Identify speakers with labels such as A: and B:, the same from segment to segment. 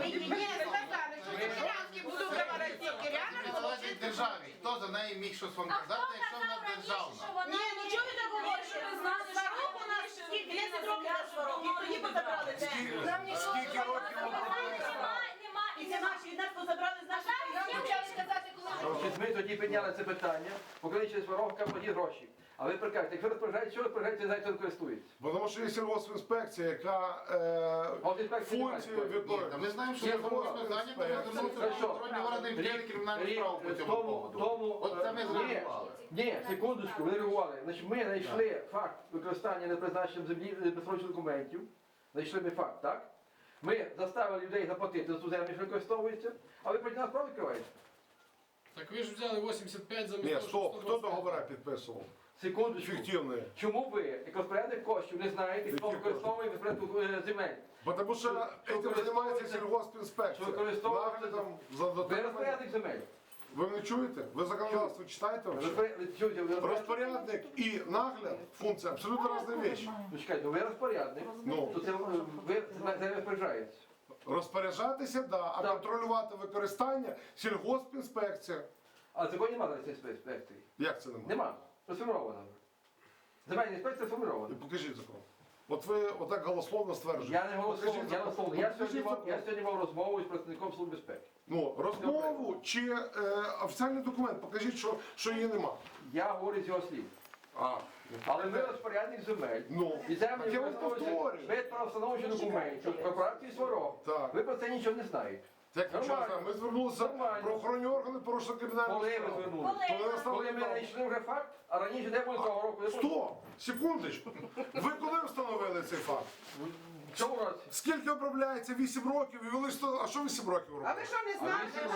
A: сказали, що Кирянський буду говорити Кирянам.
B: Залежить державі. Хто за неї міг щось вам казати, якщо вона державна?
A: Ні, ну чого ви так говорите? Сварок у нас скільки? 10 років на сварок. І тоді позабрали це.
C: Скільки років
A: І це наші, від нас позабрали з наших
D: Ми тоді підняли це питання, покличе Сваровка, платіть гроші. А ви прикажете, якщо розпоряджаєте, що розпоряджаєте, знаєте, хто користується.
C: Бо тому що є сільгоспінспекція, яка функції виконує.
B: Ми знаємо, що є знову питання, то звернутися до контрольні органи і вчинити кримінальну справу по цьому поводу. От це ми зреагували.
D: Ні, секундочку, ви реагували. Значить, ми знайшли факт використання непризначенням землі безсрочних документів. Знайшли ми факт, так? Ми заставили людей заплатити за ту землю, що використовується, а ви проти нас справу відкриваєте.
E: Так ви ж взяли 85 замість
C: Ні,
E: того,
C: стоп,
E: що
C: хто
E: 120.
C: договори підписував?
D: Секундочку.
C: Фіктивні.
D: Чому ви, як розпорядник коштів, не знаєте, хто
C: Які
D: використовує розпорядку земель?
C: Бо тому що цим займається сільгоспінспекція.
D: Що використовується?
C: Наглядом за
D: Ви
C: дотриманням.
D: розпорядник земель.
C: Ви мене чуєте? Ви законодавство читаєте? Розпорядник і нагляд функція абсолютно різні речі.
D: Ну чекайте, ви розпорядник,
C: Ну.
D: то це ви це розпоряджаєтесь.
C: Розпоряджатися, да, а
D: Так.
C: контролювати використання сільгоспінспекція.
D: А законі немає зараз цієї інспекції.
C: Як це немає?
D: Нема. Розформована. Земельна інспекція сформована.
C: Покажіть закон. От ви отак голословно стверджуєте.
D: Я не голосував,
C: Покажіть
D: я
C: закон.
D: голосував. Я
C: Покажіть закон.
D: сьогодні мав розмову з представником Служби безпеки.
C: Ну, розмову чи офіційний документ, покажіть, що її нема.
D: Я говорю з його слів. Але ви розпорядник земель.
C: Ну,
D: І землі
C: так я вам
D: використовуються
C: повторюю.
D: без правовстановчих документів, корпорації Сварог.
C: Так.
D: Ви про це нічого не знаєте.
C: Так, якщо
D: Нормально.
C: ми звернулися
D: Нормально.
C: правоохоронні органи, порушили кримінальну
D: Коли ви
C: справу.
D: звернулися? Коли ми знайшли вже факт, а раніше де були того року?
C: Стоп! Секундочку. Ви коли встановили цей факт?
D: В цьому році.
C: Скільки обробляється? 8 років і вели 100... А що 8 років
A: А
C: робили?
A: ви що не знаєте?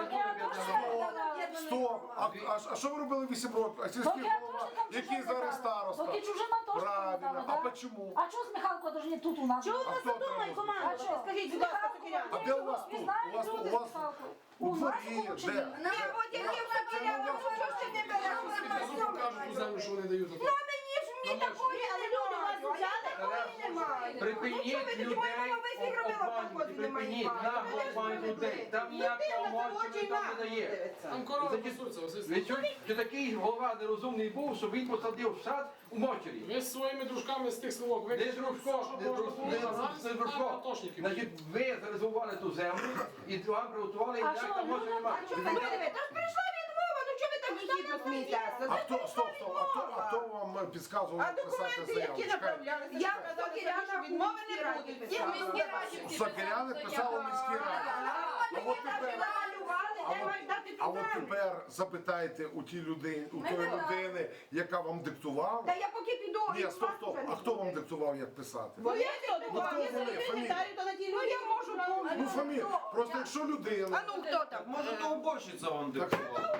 C: Стоп! А що ви робили 8 років? А сільський голова, який зараз староста?
F: Поки чужина теж
C: Правильно.
F: да?
C: А почему?
F: А чого з Михалко даже не тут у нас?
A: Чого у
C: А
A: нас
C: хто
A: тут
C: отримав?
A: команда? Скажіть, будь ласка, Кирян.
C: А де у вас тут? У вас у дворі, де?
A: Не, от як я забирала, що ж ти не береш?
E: Кажуть у землю, що вони дають.
A: Ну, а мені ж мені такої, але люди вас взяли, такої немає.
D: Припиніть людей обманювати, припиніть нагло обманювати людей. Там ніякого мовчення там не дає.
E: Там корова пасуться, Василь
D: Ви
E: Степанович.
D: чуєте, що такий голова нерозумний був, що він посадив в сад у мочері.
E: Ви з своїми дружками з тих селок
D: Не
E: виключили все,
D: дружко,
E: що
D: не
E: можна
D: дружко,
E: було, а зараз
D: не
E: там
D: дружко.
E: атошники.
D: Значить, ви зарезервували ту землю і вам приготували, і
F: А
D: як
F: що,
D: там може
F: люди
D: немає.
A: Що ви говорите? Та ж прийшла відмова, ну чого ви так гідно смієтеся?
C: А хто вам підказував
A: А
C: написати
A: документи,
C: заяву?
A: які
C: Чекайте.
A: направлялися, я сказала, що відмови не буде. І в міській раді.
C: Сокиряни писали в міській раді. А от тепер, а от тепер запитайте у тій людини, у тої людини, яка вам диктувала.
A: Та я поки піду.
C: Ні, стоп. А хто вам диктував, як писати?
A: Бо я хто диктував?
C: хто
A: Я
C: вони?
A: собі
C: Фамілія?
A: секретарю, то на тій люди я можу.
C: Ну, фамілія. Просто якщо людина.
A: А ну хто там?
G: Може, то уборщиця вам
C: Так,
G: диктувала.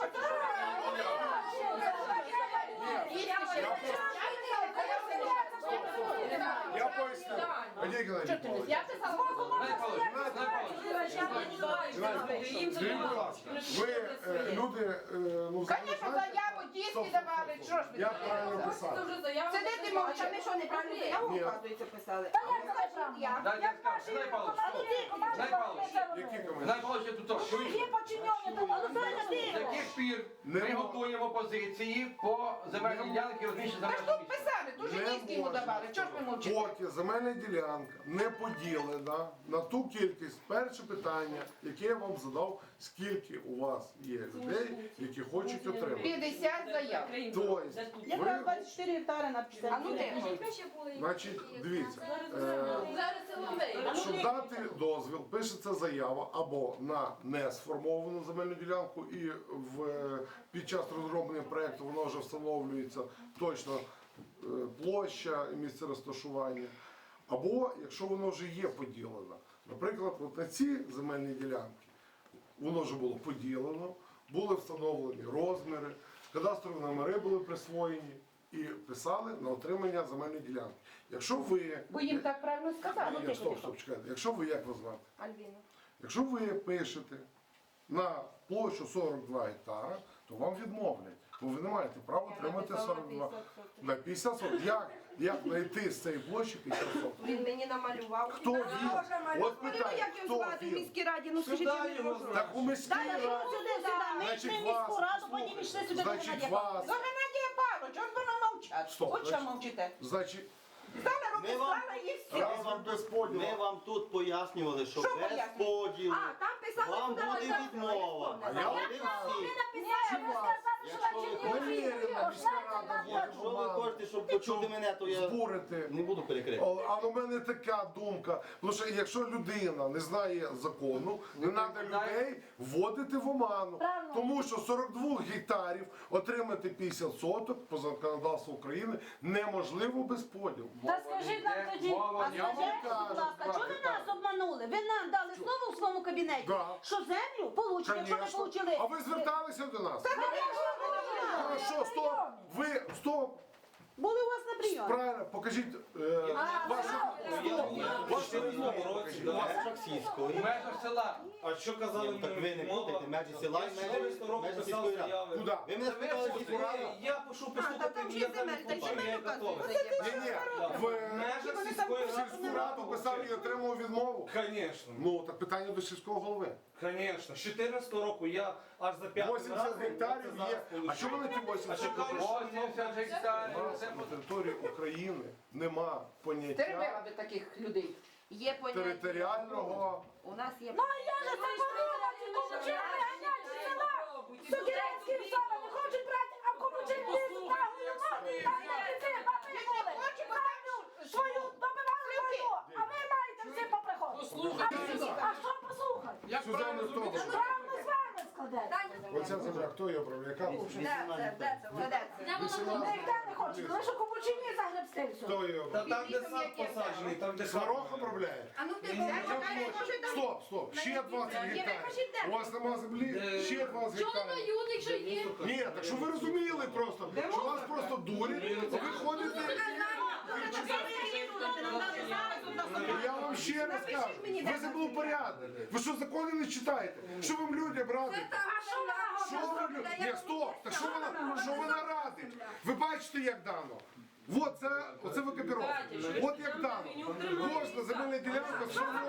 C: я поясню. Вадим Геннадійович,
A: Я писала.
C: скажіть, будь ласка, ви люди, ну,
A: Звісно, заяву тіски давали, що ж ви?
C: як правильно писати?
A: Сидите мовча, ми що, неправильно заяву,
C: Ні.
A: оказується, писали?
F: Та як це неправильно?
D: Дайте я скажу, Геннадій Павлович, Геннадій Павлович,
C: Які
D: Геннадій
C: коментарі?
D: Павлович, я тут то.
F: Є подчинені, то але
D: З яких пір ми готуємо позиції по земельній ділянці розміщення
A: Та ж
D: земельного
A: тут
D: місця?
A: писали, дуже
C: Не
A: низькі йому
C: можна.
A: давали, чого ж ви мовчите?
C: Поки земельна ділянка не поділена на ту кількість, перше питання, яке я вам задав, скільки у вас є людей, які хочуть отримати.
A: 50 заяв.
C: Тобто,
A: Якраз
C: ви,
A: 24 гектари на 50. А ну де?
C: значить, дивіться,
A: Зараз це ловей.
C: щоб дати дозвіл, пишеться заява або на несформовану земельну ділянку, і під час розроблення проєкту воно вже встановлюється точно площа і місце розташування. Або якщо воно вже є поділено. Наприклад, от на ці земельні ділянки воно вже було поділено, були встановлені розміри, кадастрові номери були присвоєні і писали на отримання земельної ділянки. Якщо ви...
A: Бо їм так правильно сказали.
C: Ні, стоп, чекайте. Якщо ви, як вас звати?
A: Альбіна.
C: Якщо ви пишете на площу 42 гектара, то вам відмовлять. бо ви не маєте права отримати 42. На 50 соток. Як знайти з цієї площі 50 соток?
A: Він мені намалював.
C: Хто він? От питання,
A: Як його
C: хто
A: звати в
C: він?
A: міській раді? Ну скажіть, я не можу.
C: Так у міській раді.
F: Ми
C: Значить,
F: йшли в
C: вас,
F: міську раду, потім йшли сюди до
C: значить,
F: Геннадія
C: вас,
A: До Геннадія Павловича, от воно мовчать.
C: Стоп,
A: От що
C: значить-
A: мовчите.
C: значить,
A: Стала руки,
G: Ми вам-
A: стала і все.
C: разом без поділу.
G: Ми вам тут пояснювали, що
A: Що
G: без
A: пояснювали?
G: поділу
A: А, там писали,
G: вам
A: що
G: буде
A: давай,
G: відмова.
A: давай,
G: А я
C: давай.
G: говорив всім. Якщо ви хочете, щоб почути мене, то я
C: збурити.
G: не буду перекрикувати.
C: А у мене така думка, тому що якщо людина не знає закону, не треба людей вводити в оману.
F: Правильно.
C: Тому що 42 гектарів отримати 50 соток по законодавству України неможливо без поділу.
F: Та скажіть нам тоді,
D: Мова
C: Я вам
A: Скажіть, будь
C: кажу,
A: ласка, чого ви нас обманули? Ви нам дали слово у своєму кабінеті,
C: Да.
A: що землю получите, якщо не
C: Конечно.
A: получили.
C: А ви зверталися до нас?
A: Та ви не
C: Хорошо, стоп. Ви, стоп.
A: були у вас на прийомі.
C: Правильно, покажіть вашу...
G: Вашу розмову покажіть. В межах
D: В
G: сільської.
D: межах села.
H: А що казали
G: Ні, так ви не будете, межі села і межі сільської ради.
C: Куди?
G: Ви мене спитали сільську раду?
H: Я пишу
A: Та
H: послухати,
A: там
H: я
A: ще
H: там не
A: земель, так
H: хочу, я
A: земель
H: готовий.
A: указується.
C: Ні-ні, в
H: Межах сільської
C: сільську раду писав і отримав відмову.
H: Звісно,
C: Ну, так питання до сільського голови.
H: звісно. З 14 року я аж за 5
C: 80 гектарів є. А що вони ті 80
H: чекали,
C: гектарів?
D: 80 гектарів.
C: У нас на території України нема поняття
A: Терпела би таких людей. Є поняття.
C: територіального.
A: У нас є.
F: Ну а я же заборола, кому чим виганяти села? Сокирянські села не хочуть брати, а кому чим лізуть на гулянок? Там не це, баби були. Землю свою добивали свою, а ви маєте всі поприходити.
E: Послухайте.
F: А що послухати?
E: Як
C: Сюзанна
E: правильно зробити?
C: Стобор.
F: Правильно з вами складете.
C: Оця земля, хто її обрав? Яка?
F: Ніхто не хоче, лише кому чим не загребсти все.
C: Хто її
H: Та
C: обрав?
H: там, де сад посаджений, там, де
C: Сварог обробляє?
A: А ну ти
C: Стоп, стоп, ще 20 гектарів. У вас нема землі? Ще 20 гектарів.
I: якщо є?
C: Ні, так що ви розуміли просто, що вас просто дурять, а ви ходите. Я вам ще раз кажу, ви забули порядок. Ви що, закони не читаєте? Що вам людям радить?
F: А що вона
C: Що ви людям? Ні, стоп, так що вона радить? Ви бачите, як дано? Вот це, оце викопіровка. От як дано. Кожна земельна ділянка сформована.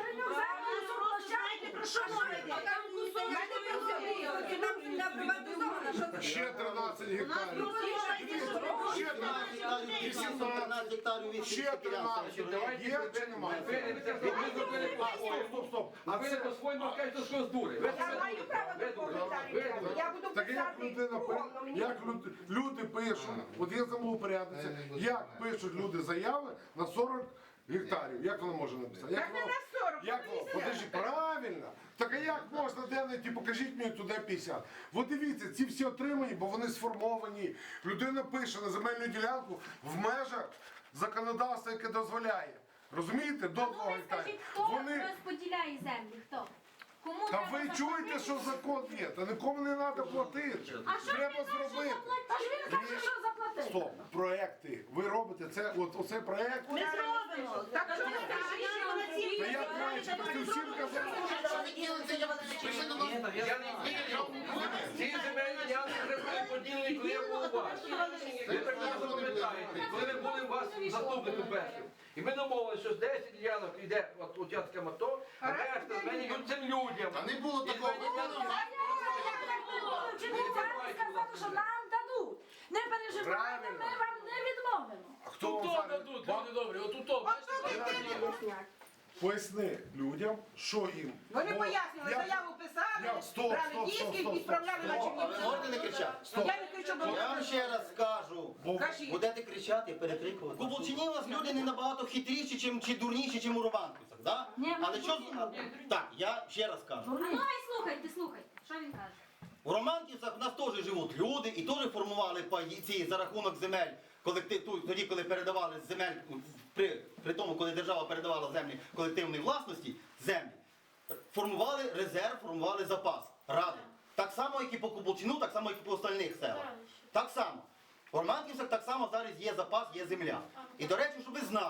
C: Ще 13 гектарів. Ще 13, 18,
G: гектарів від
C: ще
G: сільського
C: 13. Є чи немає? Стоп, стоп.
D: А ви не по-своєму кажете, що з дури. Ви
A: Я маю право до коментарів. Я буду
C: Так як
A: писати.
C: людина як люди пишуть, от є землеупорядниця, як пишуть люди заяви на 40 гектарів, як вона може написати?
A: Так не на 40,
C: Як воно? Подожди, правильно. Так а як можна де знайти, покажіть мені туди 50. От дивіться, ці всі отримані, бо вони сформовані. Людина пише на земельну ділянку в межах законодавства, яке дозволяє. Розумієте? До 2 гектарів.
I: Скажіть, хто
C: Вони...
I: розподіляє землі? Хто? Кому
C: Та
I: треба
C: ви
I: заплатити?
C: чуєте, що закон є, та нікому не треба платити.
I: А що
C: Треба
I: він каже,
C: зробити.
F: Та ж він каже, що заплатити.
C: Стоп, проекти. Ви робите це, от оцей проект.
A: Ми зробимо. Так що ви кажіть, що на цій
C: Та я краще, ти всім казав.
D: Ці земельні ділянки вже були поділені, коли я був у вас. Ви прекрасно пам'ятаєте, коли ви були у вас заступником першим. І ми домовилися, що з 10 ділянок йде от участкам АТО, а решта земельні цим людям.
B: Та не було такого.
F: Сказати, що нам дадуть. Не переживайте, ми вам не відмовимо.
C: А хто вам
E: Тут
C: зараз?
E: дадуть, люди добрі, отут, бачите?
C: Поясни людям, що їм.
A: Вони
C: Бо
A: пояснювали,
C: я-
A: заяву писали,
C: Стоп,
A: брали
C: стоп,
A: диски
C: стоп,
A: і
C: стоп,
A: відправляли на
C: стоп.
G: А ви можете не кричати?
A: Я не кричу, бо
G: Я вам ще раз скажу.
C: Бо
A: кажіть.
G: Будете кричати, перекрикувати. У Булчині у вас люди не набагато хитріші, чи дурніші, чим у Романківцях, да?
F: Ні,
G: Але що... Так, я ще раз кажу.
I: Ну і слухайте, слухайте. Що він каже?
G: У Романківцях у нас теж живуть люди і теж формували паї ці за рахунок земель. Тоді, коли передавали земель, при тому, коли держава передавала землі колективної власності, землі, формували резерв, формували запас, ради. Так само, як і по Кубулчину, так само, як і по остальних селах. Так само. У Романківцях так само зараз є запас, є земля. І, до речі, щоб ви знали,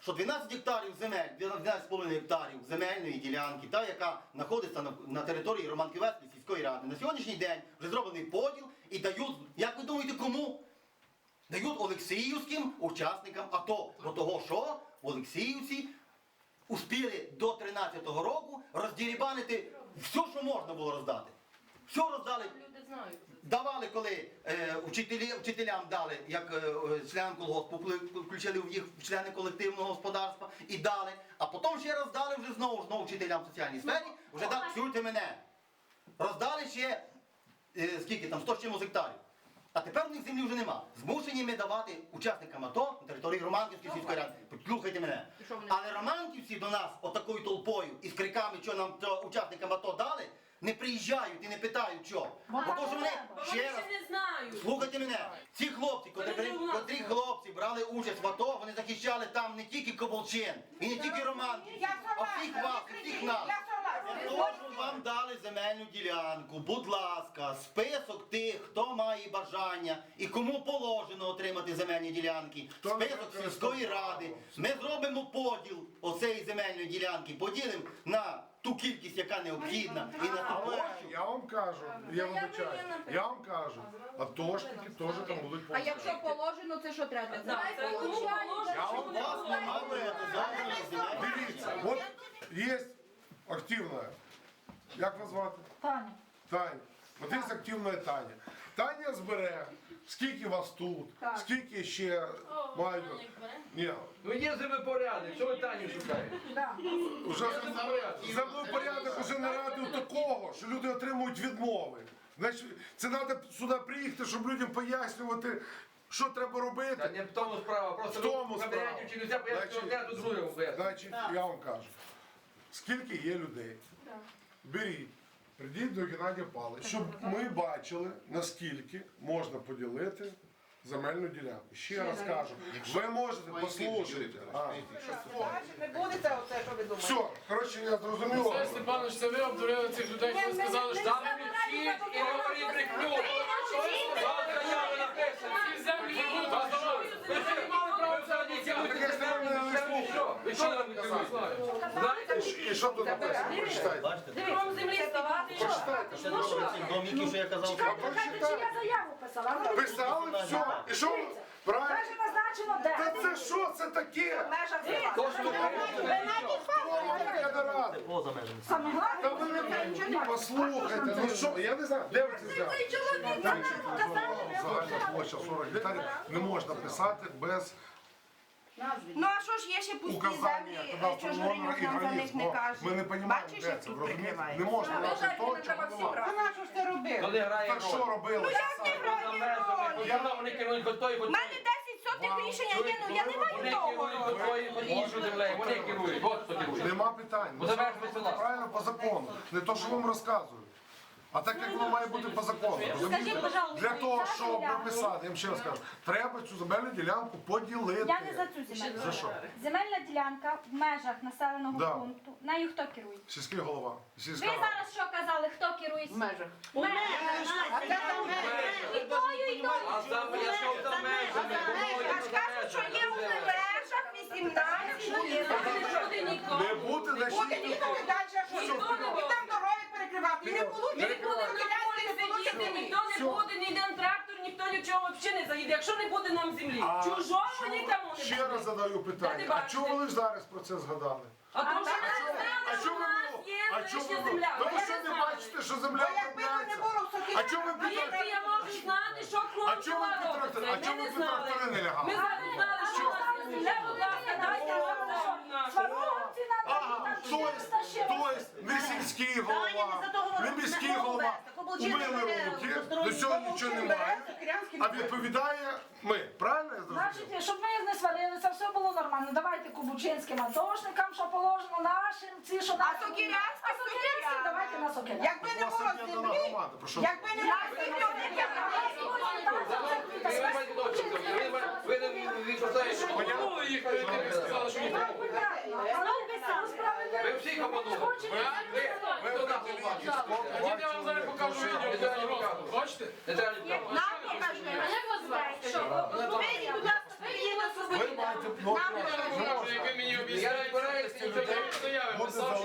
G: що 12 гектарів земель, 12,5 гектарів земельної ділянки, та, яка знаходиться на території Романківецької сільської ради, на сьогоднішній день вже зроблений поділ і дають, як ви думаєте, кому? Дають Олексіївським учасникам АТО. Бо того, що в Олексіївці успіли до 13-го року роздірібанити все, що можна було роздати. Все роздали. Давали, коли вчителям дали, як членам колгоспу, включили в їх в члени колективного господарства і дали, а потім ще роздали вже знову вчителям в соціальній сфері, вже дали, чуйте мене, роздали ще, скільки там, 100 з чимось гектарів. А тепер у них землі вже нема. Змушені ми давати учасникам АТО на території Романківської сільської ради. Послухайте мене. Але романківці до нас отакою толпою і з криками, що нам учасникам АТО дали, не приїжджають і не питають, що. Бо то, що вони, ще раз,
A: не знаю.
G: слухайте мене, ці хлопці, котрі хлопці брали участь в АТО, вони захищали там не тільки Ковалчин, і не тільки Романківців, а всіх вас, і всіх нас. Тож вам дали земельну ділянку, будь ласка, список тих, хто має бажання і кому положено отримати земельні ділянки, список сільської ради. Ми зробимо поділ оцеї земельної ділянки, поділимо на ту кількість, яка необхідна, і на ту
C: Але
G: площу.
C: я вам кажу, я вибачаю, я вам кажу, атошники теж там будуть
F: А якщо положено, це що треба?
G: Вас нема земельної.
C: Дивіться, от є активна, як вас звати?
F: Таня.
C: Таня. От є активна Таня. Таня збере, скільки вас тут,
F: Так.
C: скільки ще мають. Ні,
D: Ну є землепорядок, що ви Таню шукаєте?
F: Да.
C: вже землепорядок уже нарадив такого, що люди отримують відмови. Значить, це треба сюди приїхати, щоб людям пояснювати, що треба
D: Та
C: робити.
D: не в тому справа, просто
C: В тому
D: ви
C: справа.
D: набираєте чи нельзя пояснити
C: Значить,
D: одне, то друге пояснити.
C: Значить, я вам кажу, скільки є людей, беріть, прийдіть до Геннадія Павловича, щоб ми бачили, наскільки можна поділити земельну ділянку. Ще раз кажу, ви можете послухати.
A: Не буде це оце, що ви думаєте.
C: Все, коротше, я зрозумів.
E: Олексій Степанович, це ви обдурили цих людей, коли сказали, що
D: Там вчіть і говоріть брехню. Вам заяви написані.
E: ці землі будуть роздавати.
D: Ви ж не мали права це що? Ви що нам не казали? Знаєте?
C: І що тут написано? Прочитайте.
G: Бачите?
A: Вам землі ставати.
C: Прочитайте.
G: Це цих домиків, що я казав.
F: Чекайте, чи я заяву писала?
C: Писали, все. І що? Правильно?
F: Каже, назначено де?
C: Та це що це таке?
D: То, що ви
C: Я не радий.
G: Поза межами.
F: Саме
C: Та
F: головне,
C: ви не послухайте, ну що, я не знаю, де ви це взяли? Загальна площа 40 гектарів не можна писати без
J: Ну а що ж є ще пусті
C: указання
J: землі,
C: кадастрового
J: що ж
C: номера і
J: нам за них
C: границь.
J: не
C: Ну,
J: кажуть?
C: ми не розуміємо,
J: Бачиш,
C: де
J: як
C: це,
J: тут
C: розумієте?
J: прикривають?
C: Не можна робити то, чого немає.
A: Вона що ж це робила?
D: То не грає
C: Так що
D: роль.
C: робили?
D: Вони керують хоч той,
J: У
D: хоч
J: мене 10 сотих рішення є, ну я не маю
D: Вони
J: того.
D: керують хоч той, хоч іншу землею. Вони керують. От хто керує.
C: Нема питань.
D: Бо за межами села.
C: Правильно по закону. Не то, що вам розказують. А так як воно має бути по закону. розумієте? Для того, щоб прописати, я вам ще раз кажу, треба цю земельну ділянку поділити.
I: Я не за цю земельну.
C: За що?
I: Земельна ділянка в межах населеного
C: Да.
I: пункту. Нею хто керує?
C: Сільський голова.
I: Ви
C: Сільська рада.
I: зараз що казали, хто керує?
A: В межах.
I: В межах.
A: А де там
I: І тою, і тою.
D: А за що за межами?
J: Я ж кажу, що є у межах 18 є.
C: Не бути, значить,
A: Буде ніхто не далі, що ніхто не буде там дороги перекривати. І не получить. Ніхто не буде, ні один трактор, ніхто нічого взагалі не заїде, якщо не буде нам землі.
C: А
A: Чужого нікому не
C: ще
A: буде.
C: раз задаю питання. А чому ви лише зараз про це згадали?
A: А то що
C: А
A: не
C: чому ви
A: знали, що у нас є
C: а чому
A: лише
C: ви
A: земля.
C: Тому
A: Я
C: що
A: не
C: не
A: знала.
C: бачите, що земля обробляється? А чому ви
A: Звідки
C: питаєте?
A: я можу знати, що
C: А
A: хлопці
C: чому ви
A: робиться?
C: трактори? А чому
A: Ми
C: ви
A: не знали.
C: трактори не
A: Ми
C: лягали?
A: зараз знали, що у нас є земля, будь ласка, дайте нам за що в нас.
F: Сваровці надо,
C: Ага,
F: там
C: то
F: ще
C: есть
F: розташили.
C: не сільський голова, не міський голова. Умили руки, до цього нічого немає. А відповідає ми. Правильно я зрозумів?
F: Значить, щоб ми їх не сварилися, все було нормально. Давайте кубучинським атошникам, що положено, нашим, ці, що нашим.
J: Сокирянським,
F: А Сокирянським давайте на Сокирянським.
A: Якби не
C: У вас
A: було
C: об'єднана
A: землі,
C: громада, про що?
A: якби не було землі,
D: Ви не відповідаєте.
E: Обманули їх, перед тим, як сказали, що ніхто. Ви всіх обманули. Ви до нас обманули. Тоді я вам зараз покажу відео. Бачите?
D: Не треба нікого.
J: Нам покажи.
I: А як вас звати? Що?
J: Вийдіть, будь ласка, приїдемо
C: Ви маєте
E: Я вам покажу, як ви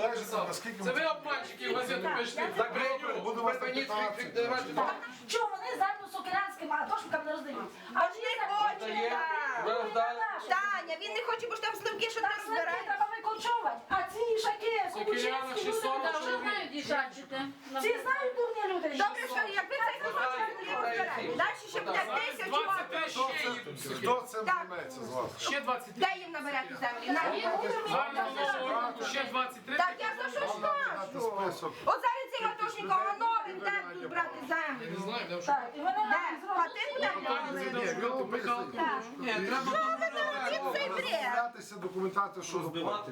E: написали.
C: наскільки
E: Це
C: ми-
E: ви обманщики в газету пишете.
D: Закрию,
C: Буду вас
D: припиніть
C: на
D: крик,
C: 15.
D: давайте.
F: Чого вони землю сокирянським атошникам не роздають? А
J: Аж не хоче,
D: Є,
J: так.
D: вже роздали.
J: Таня, він не хоче, бо ж там сливки, що
F: Там
J: там
F: сливки
J: збирають.
F: треба викочувати, а ці шаки,
E: Сокиряна
F: кобучинські
E: 600
F: люди,
E: вже знають,
F: ці знають дурні люди.
J: Добре, що якби цей кусок землі розбирають. Далі ще буде 1000
E: 23
J: років.
E: ще їдуть.
C: Хто цим займеться з вас?
E: Ще 23.
J: Де їм набирати землі? На.
E: Зараз до нового року ще 23.
J: Так я за що ж кажу?
C: Список.
J: От зараз цим атошникам новим де тут брати землю?
E: Не знаю, де вже.
F: Так, і вони
J: Де?
F: нам зроблять.
J: Хати буде брати?
E: Ні, треба
J: Він цей бред.
C: Розглядатися, документацію, що
H: Розбивати?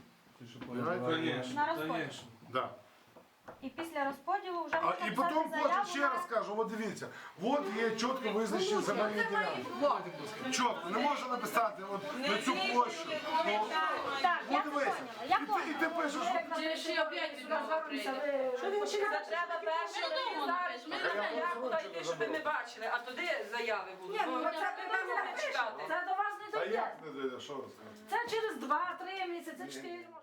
I: На розподіл.
C: Да.
I: І після розподілу вже
C: А,
I: можна
C: і
I: писати
C: потім
I: заяву
C: ще
I: на-
C: раз кажу, от дивіться, от є чітко визначені земельні ділянки. Чітко, не можна написати от на цю площу. Ну,
I: Так, я
C: подивися.
I: поняла, я
C: І ти
I: поняла.
C: пишеш,
A: Що він вчить? Це треба перше реалізувати, заяву дайте, щоб ми бачили, а туди заяви будуть.
F: Ні, ну,
A: Бо
F: це
A: ми
F: не
A: будемо чекати.
F: Це до вас не
C: а
F: дойде.
C: як не дойде, що ви скажете?
F: Це через 2-3 місяці, 4 може.